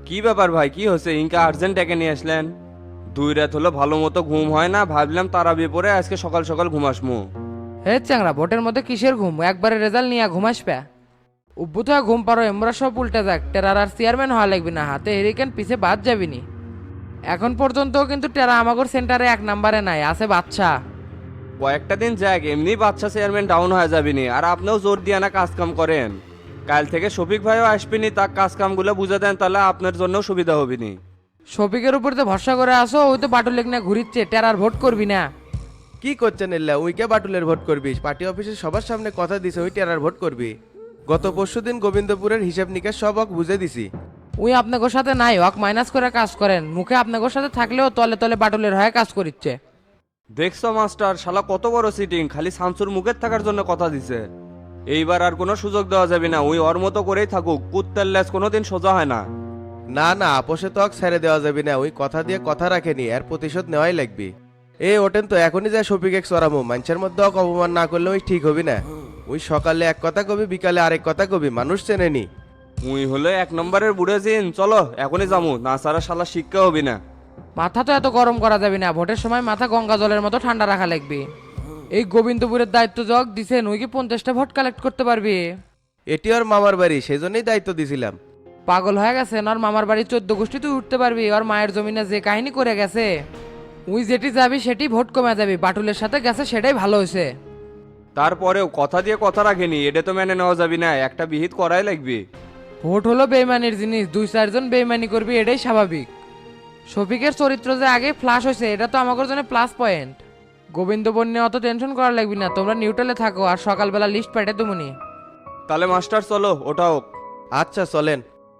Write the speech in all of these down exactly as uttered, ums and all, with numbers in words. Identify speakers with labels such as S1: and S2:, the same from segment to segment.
S1: কি ব্যাপার ভাই, কি হচ্ছে? ইনকা আর্জেন্ট ডেকে নিয়ে আসলেন? দুই রাত হলো ভালো মতো ঘুম হয় না, ভাবলাম তারাবি পরে আজকে সকাল সকাল ঘুমাসমু।
S2: হে চ্যাংরা, ভোটের মধ্যে কিসের ঘুম? একবারে রেজাল্ট নিয়ে ঘুমাস পা। উব্বুত হয়ে ঘুম পারো, এমরা সব উল্টে যাক, টেরার আর চেয়ারম্যান হওয়া লাগবি না, হাতে হেরিকেন পিছে বাদ যাবিনি। এখন পর্যন্ত কিন্তু টেরা আমাগর সেন্টারে এক নাম্বারে নাই, আছে বাচ্চা।
S1: কয়েকটা দিন যাক, এমনি বাচ্চা চেয়ারম্যান ডাউন হয়ে যাবিনি, আর আপনিও জোর দিয়ে না কাজ কাম করেন। কাল থেকে শফিক ভাইও আসবেনি, তার কাজ কামগুলো বুঝে দেন, তাহলে আপনার জন্য সুবিধা হবিনি।
S2: শফিকের উপর তো ভরসা করে আসো, ওই তো বাটুলেক না ঘুরিচ্ছে, টেরার ভোট করবি না।
S3: কি করছেন এল্লা? উইকে বাটুলের ভোট করবি? পার্টি অফিসে সবার সামনে কথা দিছে ওই টেরার ভোট করবি। গত পরশুদিন গোবিন্দপুরের হিসাব নিকাশ সব অক বুঝে দিছি।
S2: উই আপনাদের সাথে নাই, হক মাইনাস করে কাজ করেন, মুখে আপনাদের সাথে থাকলেও তলে তলে বাটুলের হয়ে কাজ করিচ্ছে।
S1: দেখছো মাস্টার, শালা কত বড় সিটিং, খালি শামসুর মুখের থাকার জন্য কথা দিছে। এইবার আর কোনো সুযোগ দেওয়া যাবে না, ওই ওর মতো করেই থাকুক, কুত্তার ল্যাস কোনোদিন সোজা হয় না।
S3: না না, আপোষে তো অক ছেড়ে দেওয়া যাবে না, ওই কথা দিয়ে কথা রাখেনি, এর প্রতিশোধ নেওয়াই লাগবে। এ ওঠেন তো, এখনই যায় শফিক এক চড়ামো, মানুষের মধ্যে অক অপমান না করলে ওই ঠিক হবি না। ওই সকালে এক কথা কবি, বিকালে আরেক কথা কবি, মানুষ চেনেনি।
S1: মুই হলো এক নম্বরের বুড়ে জিন, চলো এখনই যামু, না সারা শালা শিক্ষা হবি না।
S2: মাথা তো এত গরম করা যাবে না, ভোটের সময় মাথা গঙ্গা জলের মতো ঠান্ডা রাখা লাগবে। এই গোবিন্দপুরের দায়িত্ব জগ দিছে, নই কি পঞ্চাশটা ভোট কালেক্ট করতে পারবি?
S3: এটি ওর মামার বাড়ি, সেই জন্যই দায়িত্ব দিছিলাম।
S2: পাগল হয়ে গেছে, ওর মামার বাড়ি চোদ্দ গোষ্ঠী তুই উঠতে পারবি? ওর মায়ের জমিনে যে কাহিনী করে গেছে, উই যেটি যাবি সেটি ভোট কমে যাবি, বাটুলের সাথে গেছে সেটাই ভালো হয়েছে।
S1: তারপরেও কথা দিয়ে কথা রাখেনি, এটা তো মেনে নেওয়া যাবে না, একটা বিহিত করাই লাগবে।
S2: ভোট হলো বেইমানির জিনিস, দুই চারজন বেইমানি করবি, এটাই স্বাভাবিক। শফিকের চরিত্র যে আগে ফ্লাশ হয়েছে, এটা তো আমাদের জন্য প্লাস পয়েন্ট। গোবিন্দবন নিয়ে অত টেনশন করা লাগবি না, তোমরা নিউট্রালে থাকো, আর সকালবেলা লিস্ট পেটে তুমুনি।
S1: তাহলে মাস্টার চলো, ওটাও।
S3: আচ্ছা চলেন।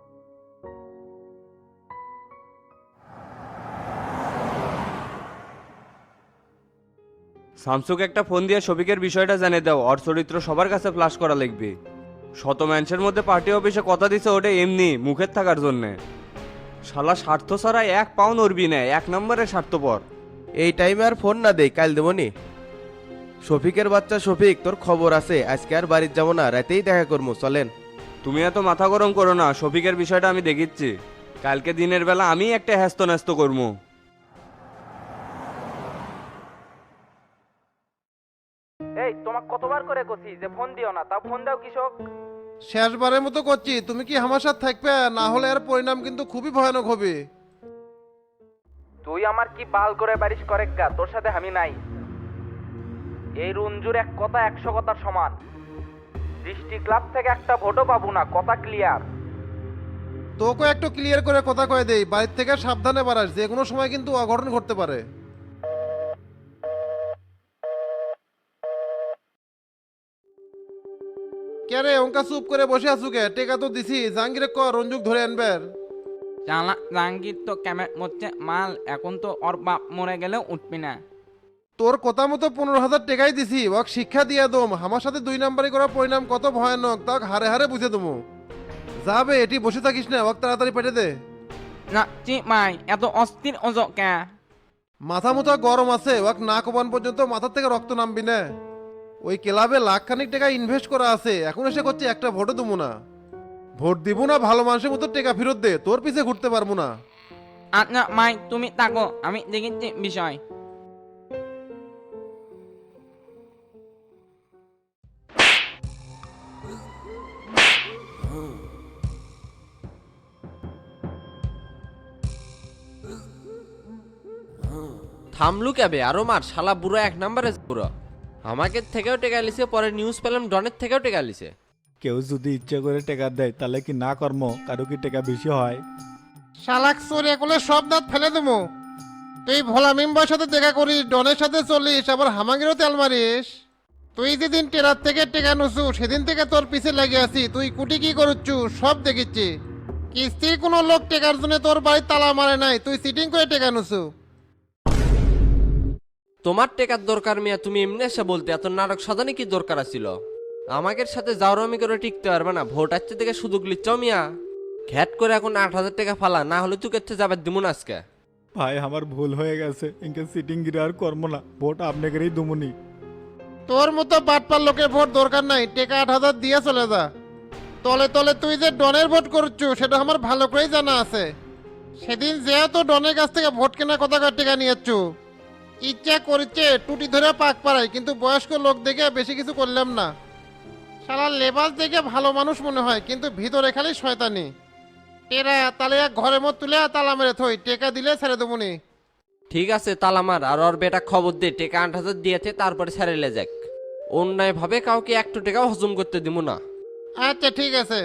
S1: শামসুকে একটা ফোন দিয়ে শফিকের বিষয়টা জানিয়ে দাও, ওর চরিত্র সবার কাছে ফ্লাশ করা লাগবে। শত মানুষের মধ্যে পার্টি অফিসে কথা দিছে, ওটা এমনি মুখের থাকার জন্যে। শালা স্বার্থ ছাড়া এক পাও নড়বি না, এক নম্বরের স্বার্থপর।
S3: এই টাইমে আর ফোন না দেই, কাল দেবনি। শফিকের বাচ্চা শফিক, তোর খবর আছে, আজকে আর বাড়ির যাবো না, রাতেই দেখা করবো, চলেন।
S1: তুমি এত মাথা গরম করো না, শফিকের বিষয়টা আমি দেখিচ্ছি। কালকে দিনের বেলা আমি একটা হ্যাস্ত ন্যস্ত করবো।
S2: এই তোমাক কতবার করে কছি যে ফোন দিও না, তা ফোন দাও কৃষক।
S4: শেষবারের মতো করছি, তুমি কি আমার সাথে থাকবে? না হলে এর পরিণাম কিন্তু খুবই ভয়ানক হবে।
S2: তুই আমার কি বাল করে পারিস করে গা, তোর সাথে আমি নাই। এই রঞ্জুর এক কথা একশো কথার সমান। দৃষ্টি ক্লাব থেকে একটা ভোটও পাবো না, কথা ক্লিয়ার।
S4: তোকে একটু ক্লিয়ার করে কথা কয়ে দেই, বাড়ির থেকে সাবধানে বাড়াস, যে কোনো সময় কিন্তু অঘটন ঘটতে পারে। কে রে অঙ্কা চুপ করে বসে আছু কে? টেকা তো দিছি, জাহাঙ্গীরে ক রঞ্জুক ধরে আনবার।
S5: চালা জাহাঙ্গীর তো ক্যামের মধ্যে মাল, এখন তো ওর বাপ মরে গেলেও উঠবি না।
S4: তোর কথা মতো পনেরো হাজার টেকাই দিছি, ওকে শিক্ষা দিয়ে দম, আমার সাথে দুই নাম্বারি করার পরিণাম কত ভয়ানক তাক হারে হারে বুঝে দেবো। যাবে এটি বসে থাকিস না, ওকে তাড়াতাড়ি পেটে দে।
S5: না চি মাই, এত অস্থির অজ কে?
S4: মাথা মুথা গরম আছে, ওয়াক না কমান পর্যন্ত মাথা থেকে রক্ত নামবি না। ওই ক্লাবে লাখ খানিক টাকা ইনভেস্ট করা আছে, এখন এসে করছে একটা ভোটও দেবো না। ভোট দিব না, ভালো মানুষের মতো টাকা ফেরত দে, তোর পিছে ঘুরতে পারবো না।
S5: আচ্ছা মাই তুমি তাকো, আমি দেখেছি বিষয়।
S6: থামলু কেবে, আরো মার, শালা বুড়ো এক নম্বরে বুড়ো। আমাকে থেকেও টেকা লিছে, পরে নিউজ পেলাম ডনের থেকেও টেকা লিছে।
S7: কেউ যদি ইচ্ছা করে টেকা দেয় তাহলে কি না কর্ম, কারো কি টেকা বেশি হয়?
S4: শালাক চোরে কোলে সব দাঁত ফেলে দেবো। তুই ভোলা মেম্বার সাথে দেখা করিস, ডনের সাথে চলিস, আবার হামাগেরও তেল মারিস। তুই যেদিন টেরার থেকে টেকা নুসু, সেদিন থেকে তোর পিছে লাগে আছি, তুই কুটি কি করুচ্ছু সব দেখিচ্ছি। কিস্তির কোনো লোক টেকার জন্য তোর বাড়ির তালা মারে নাই, তুই সিটিং করে টেকা নুসু।
S6: তোমার টেকার দরকার মিয়া, তুমি এমনি এসে বলতে এত নাটক সাজানি কি দরকার ছিল? আমাদের সাথে জাউরামি করে টিকতে পারবে না, ভোট আসছে থেকে সুযোগ লিচ্ছাও মিয়া। ঘ্যাট করে এখন আট হাজার টাকা ফালা, না হলে তুই কেচ্ছে যাবে দিমুন আজকে।
S7: ভাই আমার ভুল হয়ে গেছে, ইনকে সিটিং গিরে আর কর্ম না, ভোট আপনাকেই দুমুনি।
S4: তোর মতো বাটপার লোকের ভোট দরকার নাই, টেকা আট হাজার দিয়ে চলে যা। তলে তলে তুই যে ডনের ভোট করছু সেটা আমার ভালো করেই জানা আছে। সেদিন যেহেতু ডনের কাছ থেকে ভোট কেনার কথা কয় টাকা নিয়েছু, ইচ্ছা করছে টুটি ধরে পাক পাড়াই, কিন্তু বয়স্ক লোক দেখে বেশি কিছু করলাম না। শালা লেবাস দেখে ভালো মানুষ মনে হয়, কিন্তু ভিতরে খালি শয়তানি। টেরা তাহলে এক ঘরের মত তুলে তালা মেরে থই, টেকা দিলে ছেড়ে দেবনি।
S6: ঠিক আছে তালামার, আর ওর বেটা খবর দে টেকা আট হাজার দিয়েছে, তারপরে ছেড়ে যাক। অন্যায় ভাবে কাউকে একটু টাকাও হজম করতে দিব না।
S4: আচ্ছা ঠিক আছে।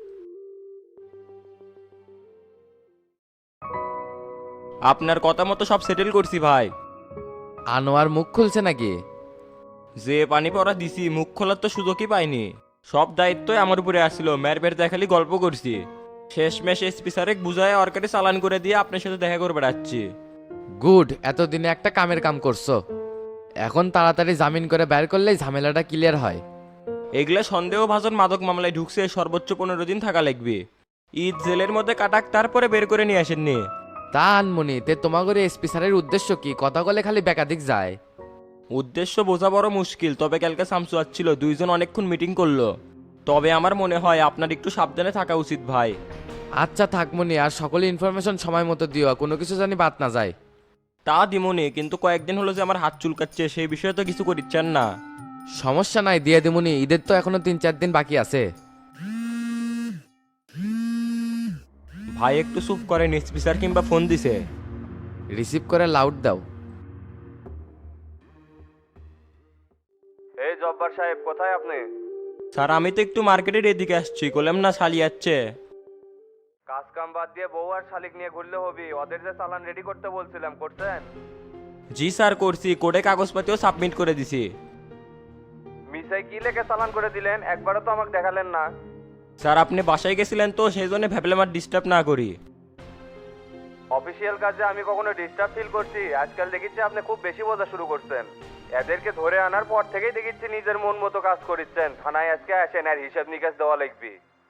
S1: আপনার কথা মতো সব সেটেল করছি ভাই।
S8: আনোয়ার মুখ খুলছে নাকি?
S1: যে পানি পড়া দিছি মুখ খোলার তো সুযোগই পাইনি। সব দায়িত্বই আমার উপরে আসছিল, মেয়ের বের দেখালি গল্প করছি। শেষমেশ এসপি স্যারেক বুঝায় অরকারি চালান করে দিয়ে আপনার সাথে দেখা করে বেড়াচ্ছি।
S8: গুড, এতদিনে একটা কামের কাম করছো। এখন তাড়াতাড়ি জামিন করে বের করলেই ঝামেলাটা ক্লিয়ার হয়।
S1: এগুলা সন্দেহভাজন মাদক মামলায় ঢুকছে, সর্বোচ্চ পনেরো দিন থাকা লাগবে। ঈদ জেলের মধ্যে কাটাক, তারপরে বের করে নিয়ে আসেননি।
S8: তা আনমনি তে তোমাগরে এসপি স্যারের উদ্দেশ্য কি? কথা বলে খালি বেকাদিক যায়।
S1: উদ্দেশ্য বোঝা বড় মুশকিল, তবে কালকে শামসু আসছিল, দুইজন অনেকক্ষণ মিটিং করলো। তবে আমার মনে হয় আপনার একটু সাবধানে থাকা উচিত ভাই।
S8: আচ্ছা থাকমনি, আর সকলে ইনফরমেশন সময় মতো দিও, কোনো কিছু জানি বাদ না যায়।
S1: তা দিমনি, কিন্তু কয়েকদিন হলো যে আমার হাত চুলকাচ্ছে, সেই বিষয়ে তো কিছু করিচ্ছেন না।
S8: সমস্যা নাই, দিয়ে দিমুনি। ঈদের তো এখনো তিন চার দিন বাকি আছে।
S1: ভাই একটু চুপ করেন, এসপি স্যার কিংবা ফোন দিছে।
S8: রিসিভ করে লাউড দাও।
S1: এই জব্বার সাহেব, কোথায় আপনি? স্যার আমি তো একটু মার্কেটের এদিকে আসছি, কইলাম না শালি যাচ্ছে। কাজ কাম বাদ দিয়ে বউ আর শালিক নিয়ে ঘুরলে হবি। ওদের যে চালান রেডি করতে বলছিলাম, করছেন? জি স্যার করছি, কোর্টে কাগজপাতিও সাবমিট করে দিছি। মিসাই কি লেখে চালান করে দিলেন? একবারও তো আমাকে দেখালেন না। স্যার আপনি বাসায় গেছিলেন তো, সেই জন্য ভাবলাম আর ডিস্টার্ব না করি। অফিসিয়াল কাজে আমি কখনো ডিস্টার্ব ফিল করছি? আজকাল দেখিচ্ছি আপনি খুব বেশি বোঝা শুরু করছেন। এদেরকে ধরে আনার পর থেকেই দেখিচ্ছি নিজের মন মতো কাজ করিচ্ছেন। থানায় আজকে আসেন, আর হিসাব নিকাশ দেওয়া লাগবে।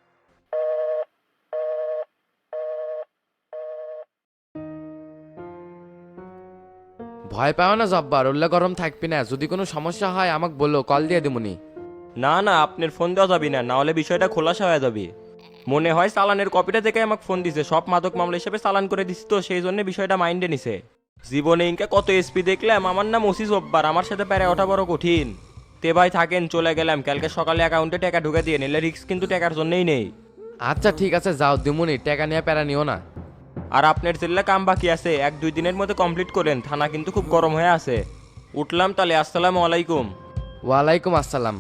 S8: ভয় পাও না জব্বার, উল্লা গরম থাকবি না। যদি কোনো সমস্যা হয় আমাকে বলো, কল দিয়ে দিমুনি।
S1: না না, আপনার ফোন দেওয়া যাবে না, না হলে বিষয়টা খোলাসা হয়ে যাবে। মনে হয় চালানের কপিটা থেকে আমাকে ফোন দিছে, সব মাদক মামলা হিসেবে চালান করে দিছি তো, সেই জন্য বিষয়টা মাইন্ডে নিছে। জীবনে ইনকা কত এসপি দেখলাম, আমার নাম ওসি জব্বার, আমার সাথে পেরে ওঠা বড় কঠিন। তে ভাই থাকেন, চলে গেলাম। কালকে সকালে অ্যাকাউন্টে টাকা ঢুকে দিয়ে নিলে রিস্ক কিন্তু টাকার জন্যই নেই।
S8: আচ্ছা ঠিক আছে, যাও দিমুনি, টাকা নিয়ে প্যারা নিও না।
S1: আর আপনার জেলে কাম বাকি আছে, এক দুই দিনের মধ্যে কমপ্লিট করেন। থানা কিন্তু খুব গরম হয়ে আছে। উঠলাম তাহলে, আসসালামু আলাইকুম।
S8: ওয়ালাইকুম আসসালাম।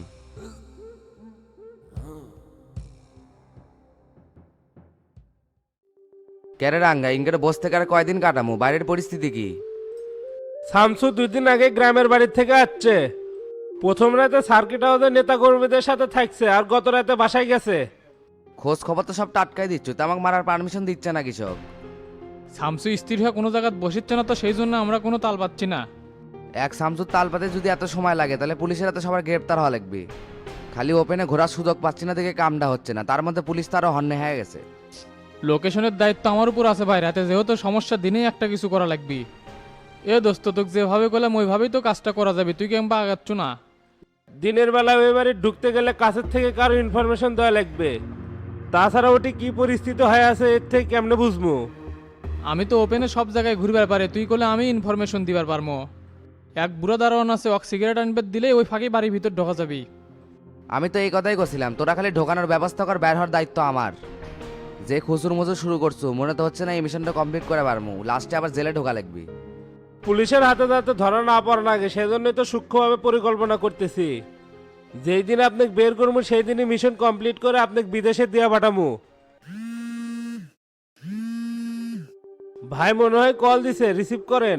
S9: ক্যারে রাঙ্গা ইনকার বস থেকে আর কয়দিন কাটামু? বাইরের পরিস্থিতি কি?
S10: শামসু দুই দিন আগে গ্রামের বাড়ি থেকে আসছে। প্রথম রাতে সার্কিট হাউসের নেতা কর্মীদের সাথে থাকছে, আর গত রাতে বাসায় গেছে।
S9: খোঁজ খবর তো সব টাটকাই দিচ্ছ, তা আমাকে মারার পারমিশন দিচ্ছে না কৃষক।
S11: শামসু স্থির হয়ে কোনো জায়গায় বসিচ্ছে না তো, সেই জন্য আমরা কোনো তাল পাচ্ছি না।
S9: এক শামসুর তালপাতে যদি এত সময় লাগে, তাহলে পুলিশের এত সবার গ্রেপ্তার হওয়া লাগবে। খালি ওপেনে ঘোরার সুযোগ পাচ্ছি না দেখে কামটা হচ্ছে না, তার মধ্যে পুলিশ তো আরো হন্যে হয়ে গেছে।
S11: লোকেশনের দায়িত্ব আমার উপর আছে ভাই, রাতে যেহেতু সমস্যা, দিনেই একটা কিছু করা লাগবে। এ দোস্ত তোকে যেভাবে করলাম ওইভাবেই তো কাজটা করা যাবে, তুই কেমবা আগাচ্ছ না?
S10: দিনের বেলা ওই বাড়ি ঢুকতে গেলে কাছের থেকে কারো ইনফরমেশন দেওয়া লাগবে। তাছাড়া ওটি কি পরিস্থিতি হয়ে আছে এর থেকে কেমনে বুঝবো?
S11: আমি তো ওপেনে সব জায়গায় ঘুরবার পারে, তুই করলে আমি ইনফরমেশন দিবার পারমো। এক বুড়ো দারোয়ান আছে, অক সিগারেট আনবে দিলে ওই ফাঁকি বাড়ির ভিতর ঢোকা যাবি।
S9: আমি তো এই কথাই করছিলাম, তোরা খালি ঢোকানোর ব্যবস্থা কর, বের হওয়ার দায়িত্ব আমার। যে খুচুর মুচুর শুরু করছো, মনে তো হচ্ছে না এই মিশনটা কমপ্লিট করে পারমু, লাস্টে আবার জেলে ঢোকা লাগবে।
S10: পুলিশের হাতে যাতে ধরা না পড়ার আগে সেজন্যই তো সূক্ষ্মভাবে পরিকল্পনা করতেছি। যেই দিন আপনাকে বের করবো সেই দিনই মিশন কমপ্লিট করে আপনাকে বিদেশে দিয়া পাঠামু। ভাই মনে হয় কল দিছে, রিসিভ করেন।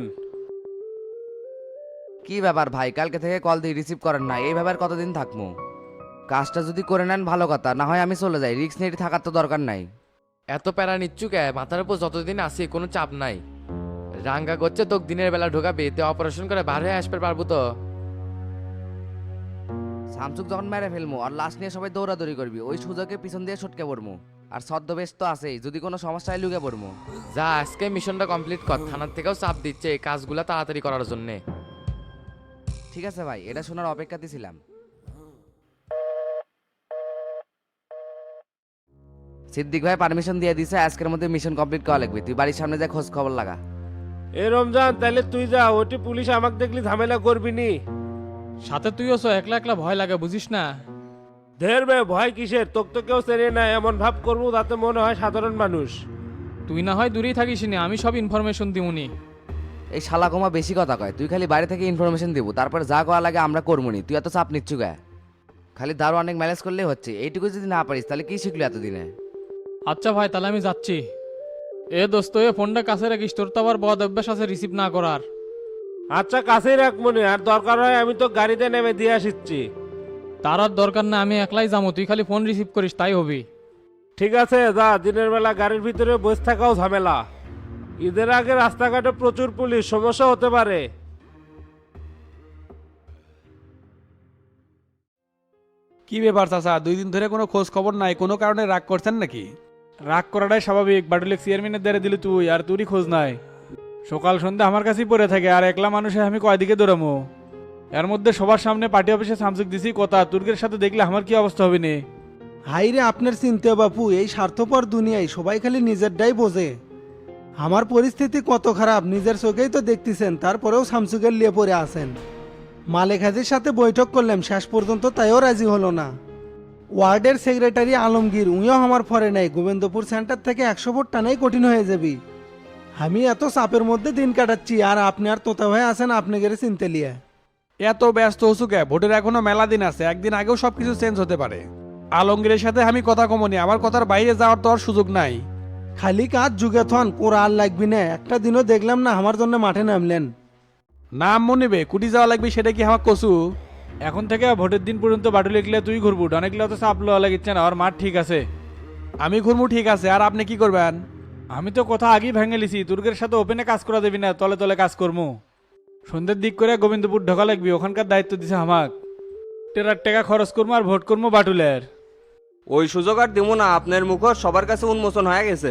S9: কি ব্যাপার ভাই, কালকে থেকে কল দিয়ে রিসিভ করেন না? এই ব্যাপার কতদিন থাকবো? কাজটা যদি করে নেন ভালো কথা, না হয় আমি চলে যাই, রিস্ক নিয়ে থাকার তো দরকার নাই।
S8: এত প্যারা নিচ্ছু কে? মাথার উপর যতদিন আসি কোনো চাপ নাই। রাঙ্গা করছে তোকে দিনের বেলা ঢোকাবে, তে অপারেশন করে বার হয়ে আসতে পারবো তো?
S9: শামসুক যখন মেরে ফেলবো আর লাশ নিয়ে সবাই দৌড়াদৌড়ি করবি, ওই সুযোগে পিছন দিয়ে ছটকে পড়বো। আর ছদ্মবেশ তো আছেই, যদি কোনো সমস্যায় লুকে পড়বো।
S8: যা আজকে মিশনটা কমপ্লিট কর, থানার থেকেও চাপ দিচ্ছে এই কাজগুলা তাড়াতাড়ি করার জন্যে।
S9: ঠিক আছে ভাই, এটা শোনার অপেক্ষাতে ছিলাম। সিদ্দিক ভাই পারমিশন দিয়ে দিছে, আজকের মধ্যে মিশন কমপ্লিট করা লাগবে। তুই বাড়ির সামনে যা খোঁজ খবর লাগা।
S10: এ রমজান, তাহলে তুই যা, ওটি পুলিশ আমাকে দেখলি ঝামেলা করবি নি।
S11: সাথে তুইও সো, একলা একলা ভয় লাগে বুঝিস না।
S10: ধরবে ভয় কিসের, তোকে তো কেউ চেনে না, এমন ভাব করবো তাতে মনে হয় সাধারণ মানুষ।
S11: তুই না হয় দূরেই থাকিস নি, আমি সব ইনফরমেশন দিমুনি।
S9: এই শালা কমা বেশি কথা কয়, তুই খালি বাইরে থেকে ইনফরমেশন দিব, তারপর যা করা লাগে আমরা করবনি। তুই এত চাপ নিচ্ছু গায়ে, খালি দারু অনেক ম্যানেজ করলেই হচ্ছে। এইটুকু যদি না পারিস তাহলে কি শিখলি এতদিনে?
S11: আচ্ছা ভাই, তাহলে আমি যাচ্ছি। এ দোস্ত, এ ফোনটা কাছে রাখিস, তোর তো আবার বদ অভ্যাস আছে রিসিভ না করার।
S10: আচ্ছা কাছেই রাখ মনে, আর দরকার হয় আমি তো গাড়িতে নেমে দিয়ে আসিচ্ছি।
S11: তার আর দরকার না, আমি একলাই যাবো, তুই খালি ফোন রিসিভ করিস তাই হবি।
S10: ঠিক আছে যা, দিনের বেলা গাড়ির ভিতরে বসে থাকাও ঝামেলা। ঈদের আগে রাস্তাঘাটে প্রচুর পুলিশ, সমস্যা হতে পারে।
S12: কি ব্যাপার চাচা, দুই দিন ধরে কোনো খোঁজ খবর নাই, কোনো কারণে রাগ করছেন নাকি?
S11: রাগ করাটাই স্বাভাবিক, বাটুলেক চেয়ারম্যানের দ্বারা দিলি তুই, আর তোরই খোঁজ নাই। সকাল সন্ধ্যা আমার কাছেই পড়ে থাকে, আর একলা মানুষে আমি কয়দিকে দৌড়ামো। এর মধ্যে সবার সামনে পার্টি অফিসে সামসুক দিছি কথা, তুর্গের সাথে দেখলে আমার কি অবস্থা হবে নে।
S7: হাই রে আপনার চিন্তা বাপু, এই স্বার্থপর দুনিয়ায় সবাই খালি নিজেরটাই বোঝে। আমার পরিস্থিতি কত খারাপ নিজের চোখেই তো দেখতেছেন, তারপরেও শামসুকের লিয়ে পড়ে আছেন। মালেক হাজির সাথে বৈঠক করলাম, শেষ পর্যন্ত তাইও রাজি হলো না। ওয়ার্ডের সেক্রেটারি আলমগীর উইও আমার ফরে নাই, গোবিন্দপুর সেন্টার থেকে একশো ভোট টানাই কঠিন হয়ে যাবি। আমি এত চাপের মধ্যে দিন কাটাচ্ছি, আর আপনি আর তোতা ভাই আছেন আপনাদের চিনতে লিয়ে।
S12: এত ব্যস্ত হসু কে? ভোটের এখনো মেলা দিন আছে, একদিন আগেও সবকিছু চেঞ্জ হতে পারে। আলমগীরের সাথে আমি কথা কমনি, আমার কথার বাইরে যাওয়ার তো আর সুযোগ নাই।
S7: খালি কাজ যুগে থন কোরা আর লাগবি না, একটা দিনও দেখলাম না আমার জন্য মাঠে নামলেন।
S12: নাম মনিবে কুটি যাওয়া লাগবে, সেটা কি আমার কসু?
S11: এখন থেকে ভোটের দিন পর্যন্ত বাটুল একলে তুই ঘুরবো, অনেকগুলো তো চাপ লওয়া লাগিচ্ছে না, আর মাঠ ঠিক আছে।
S12: আমি ঘুরমু ঠিক আছে, আর আপনি কি করবেন?
S11: আমি তো কথা আগেই ভেঙে লিছি, তুর্গের সাথে ওপেনে কাজ করা দেবি না, তলে তলে কাজ করবো। সন্ধ্যের দিক করে গোবিন্দপুর ঢোকা লাগবি, ওখানকার দায়িত্ব দিছে আমাক। টেরার টাকা খরচ করবো আর ভোট করবো বাটুলের।
S1: ওই সুযোগ আর দিব না, আপনার মুখোশ সবার কাছে উন্মোচন হয়ে গেছে।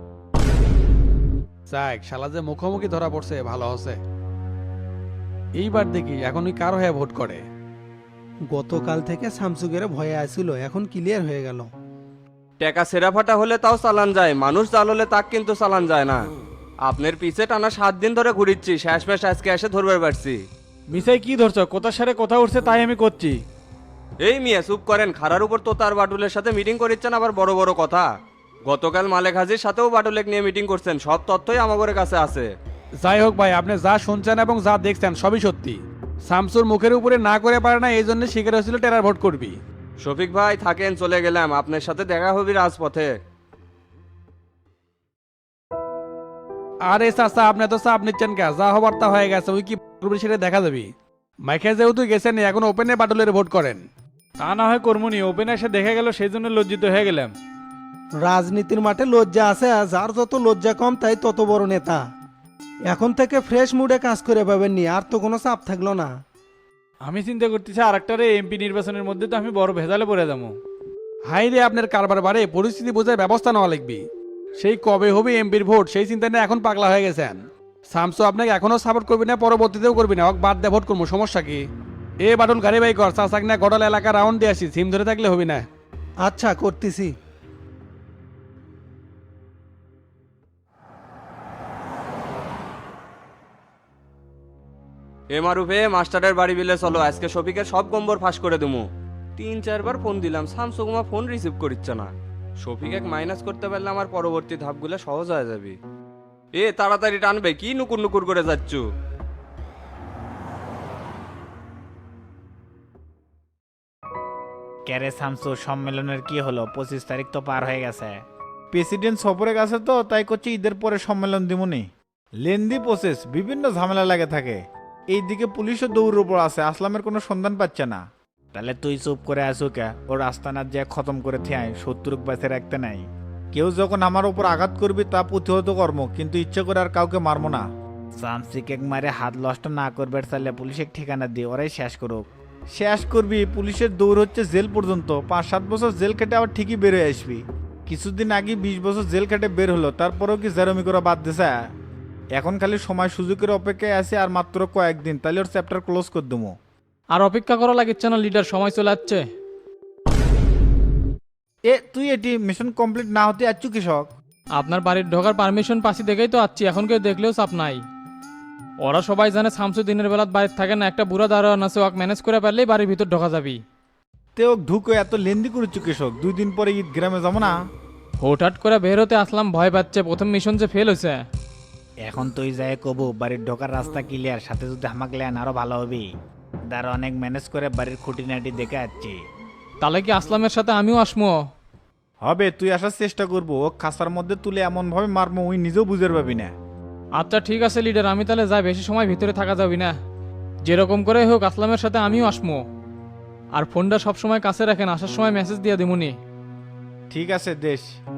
S12: যাক, শালা যে মুখোমুখি ধরা পড়ছে ভালো হচ্ছে। এইবার দেখি এখন ওই কার হয়ে ভোট করে।
S7: গতকাল থেকে শামসুকের ভয়ে আসছিল, এখন ক্লিয়ার হয়ে গেল।
S1: টাকা সেরা ফাটা হলে তাও চালান যায়, মানুষ জাল হলে তাক কিন্তু চালান যায় না। আপনার পিছে টানা সাত দিন ধরে ঘুরিচ্ছি, শেষ মেশ আজকে এসে ধরবে পারছি।
S11: মিসাই কি ধরছ? কোথার সারে কথা উঠছে তাই আমি করছি।
S1: এই মিয়া চুপ করেন, খারার উপর তো তার বাটুলের সাথে মিটিং করিচ্ছেন, আবার বড় বড় কথা। গতকাল মালেক হাজির সাথেও বাটুলেক নিয়ে মিটিং করছেন, সব তথ্যই আমাদের কাছে আছে।
S12: যাই হোক ভাই, আপনি যা শুনছেন এবং যা দেখছেন সবই সত্যি। শামসুর মুখের উপরে না করে পারে না, এই জন্য শিকার হয়েছিল টেরার ভোট করবি।
S1: শফিক ভাই থাকেন, চলে গেলাম, আপনার সাথে দেখা হবে রাজপথে।
S12: আরে চাচা, আপনি তো চাপ নিচ্ছেন কে? যা হবার তা হয়ে গেছে, ওই কি করবি সেটা দেখা যাবি। মাইকে যেহেতু গেছেন, এখন ওপেনে বাটুলের ভোট করেন।
S11: তা না হয় কর্মনি, ওপেনে এসে দেখে গেল, সেই জন্য লজ্জিত হয়ে গেলাম।
S7: রাজনীতির মাঠে লজ্জা আছে, আর যার যত লজ্জা কম তাই তত বড় নেতা। এখন থেকে ফ্রেশ মুডে কাজ করে পাবেননি, আর তো কোনো চাপ থাকলো না।
S11: আমি চিন্তা করতেছি আর একটা এমপি নির্বাচনের মধ্যে তো আমি বড় ভেজালে পড়ে যাবো।
S12: হাই রে, আপনার কারবার বারে পরিস্থিতি বোঝায় ব্যবস্থা নেওয়া লাগবে। সেই কবে হবে এমপির ভোট, সেই চিন্তা নিয়ে এখন পাগলা হয়ে গেছেন। শামসু আপনাকে এখনো সাপোর্ট করবি না, পরবর্তীতেও করবি না, বাদ দিয়ে ভোট করবো, সমস্যা কি? এ বাটুল গাড়ি বাই কর, চাচাক না গডাল এলাকা রাউন্ড দিয়ে আসি, সিম ধরে থাকলে হবি না।
S7: আচ্ছা করতেছি।
S1: এ মারুফে মাস্টারের বাড়ি বিলে চলো, আজকে শফিকের সব গম্বর ফাঁস করে দেবো। তিন চারবার ফোন দিলাম, শামসুকুমা ফোন রিসিভ করিচ্ছে না। শফিক এক মাইনাস করতে পারলে আমার পরবর্তী ধাপগুলো সহজ হয়ে যাবে। এ তাড়াতাড়ি টানবে, কি নুকুর নুকুর করে যাচ্ছ?
S13: ক্যারে শামসু, সম্মেলনের কি হলো? পঁচিশ তারিখ তো পার হয়ে গেছে। প্রেসিডেন্ট সফরে গেছে তো তাই করছি ঈদের পরে সম্মেলন দিমুনি। লেন্দি প্রসেস, বিভিন্ন ঝামেলা লাগে থাকে। এইদিকে পুলিশও দৌড়ের উপর আছে, আসলামের কোনো সন্ধান পাচ্ছে না। তাহলে তুই চুপ করে আসু কে? ওর আস্তানার যে খতম করে থিয়ায় শত্রুক বাঁচে রাখতে নাই। কেউ যখন আমার উপর আঘাত করবি তা প্রতিহত কর্ম, কিন্তু ইচ্ছে করে আর কাউকে মারবো না। চামচিক এক মারে হাত নষ্ট না করবে চাইলে পুলিশের ঠিকানা দিয়ে ওরাই শেষ করুক। শেষ করবি? পুলিশের দৌড় হচ্ছে জেল পর্যন্ত, পাঁচ সাত বছর জেল খেটে আবার ঠিকই বের হয়ে আসবি। কিছুদিন আগে বিশ বছর জেল খেটে বের হলো, তারপরেও কি জেরমি করা বাদ দিছে? এখন খালি সময় সুযোগের অপেক্ষায় আছে, আর মাত্র কয়েকদিন, তাহলে ওর চ্যাপ্টার ক্লোজ করে দেবো।
S11: আর অপেক্ষা করা লাগিচ্ছে না লিডার, সময় চলে যাচ্ছে।
S13: এ তুই এটি মিশন কমপ্লিট না হতে আচ্ছু কৃষক?
S11: আপনার বাড়ির ঢোকার পারমিশন পাচ্ছি দেখেই তো আছি, এখন কেউ দেখলেও চাপ নাই। ওরা সবাই জানে শামসু দিনের বেলা বাড়িতে থাকে না, একটা বুড়া দাঁড়ান আছে, ওকে ম্যানেজ করে পারলেই বাড়ির ভিতর ঢোকা যাবি।
S13: তেও ঢুকে এত লেন্দি করেছো কৃষক, দুই দিন পরে ঈদ গ্রামে যাবো না?
S11: হঠাৎ করে বের হতে আসলাম, ভয় পাচ্ছে, প্রথম মিশন যে ফেল হয়েছে।
S13: এখন তুই যাই কবু বাড়ির ঢোকার রাস্তা ক্লিয়ার, সাথে যদি হামাক লেন আরো ভালো হবে। দাঁড়া অনেক ম্যানেজ করে বাড়ির খুঁটিনাটি দেখে আসছি।
S11: তাহলে কি আসলামের সাথে আমিও আসমো?
S13: হবে, তুই আসার চেষ্টা করবো। ও খাসার মধ্যে তুলে এমন ভাবে মারবো ওই নিজেও বুঝতে পারবি না।
S11: আচ্ছা ঠিক আছে লিডার, আমি তাহলে যাই, বেশি সময় ভিতরে থাকা যাবি না। যেরকম করে হোক আসলামের সাথে আমিও আসমো। আর ফোনটা সবসময় কাছে রাখেন, আসার সময় মেসেজ দিয়ে দিমুনি।
S13: ঠিক আছে দেশ।